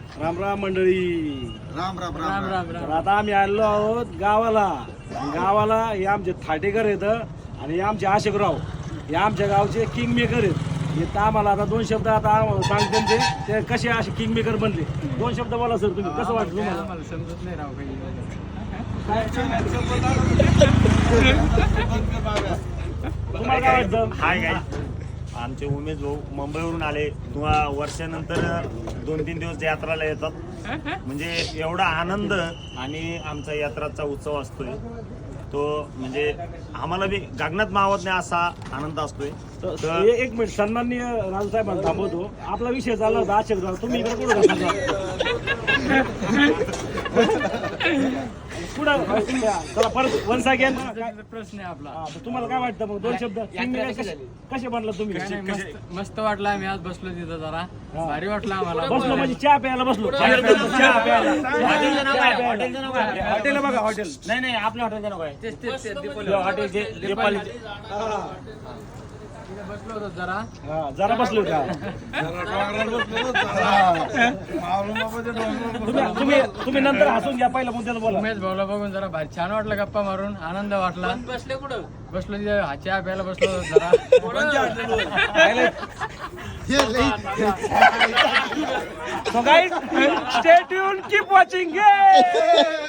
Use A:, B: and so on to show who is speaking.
A: राम राम मंडळी.
B: राम राम राम राम
A: तर आता आम्ही आलेलो आहोत गावाला हे आमचे थाटेकर आहेत आणि हे आमचे आशिकराव, हे आमच्या गावचे किंग मेकर आहेत. हे तर आम्हाला आता दोन शब्द आता सांगते ते कसे असे किंग मेकर बनले. दोन शब्द बोला सर, तुम्ही कसं वाटतं तुम्हाला?
C: आम्हाला समजत नाही राव काही.
A: तुम्हाला काय वाटतं?
D: हाय काय आमचे उमेश भाऊ मुंबईवरून आले. वर्षानंतर 2-3 दिवस यात्राला येतात. म्हणजे एवढा आनंद आणि आमचा यात्राचा उत्सव असतोय तो म्हणजे आम्हाला बी गगनात मावत नाही असा आनंद असतोय.
A: तर एक मिनिट, सन्माननीय राजू साहेबांना थांबवतो. आपला विषय चालला होता आशिकराव, तुम्ही इकडे कुठं पुढं चला परत वन्स अगेन.
C: प्रश्न आहे आपला.
A: तुम्हाला काय वाटतं मग दोन शब्द कसे बनला तुम्ही?
C: काय नाही, मस्त वाटलं. आम्ही आज बसलो तिथं जरा भारी वाटलं आम्हाला.
A: बसलो म्हणजे चहा प्यायला बसलो. चहा प्यायला. हॉटेल बघा, हॉटेल
D: नाही आपल्या हॉटेलचं नको आहे.
C: तेच दीपोली
D: हॉटेल जे नेपाळी
C: बसलो होतो जरा.
A: जरा बसलो का? तुम्ही नंतर हसून घ्या, पहिला मुद्द्याला बोला.
C: उमेश भाऊला बघून जरा भारी छान वाटलं, गप्पा मारून आनंद वाटला. बसले कुठं? बसलो तिथे चहा प्यायला बसलो होतो जरा.
A: So guys, stay tuned, keep watching. Yay!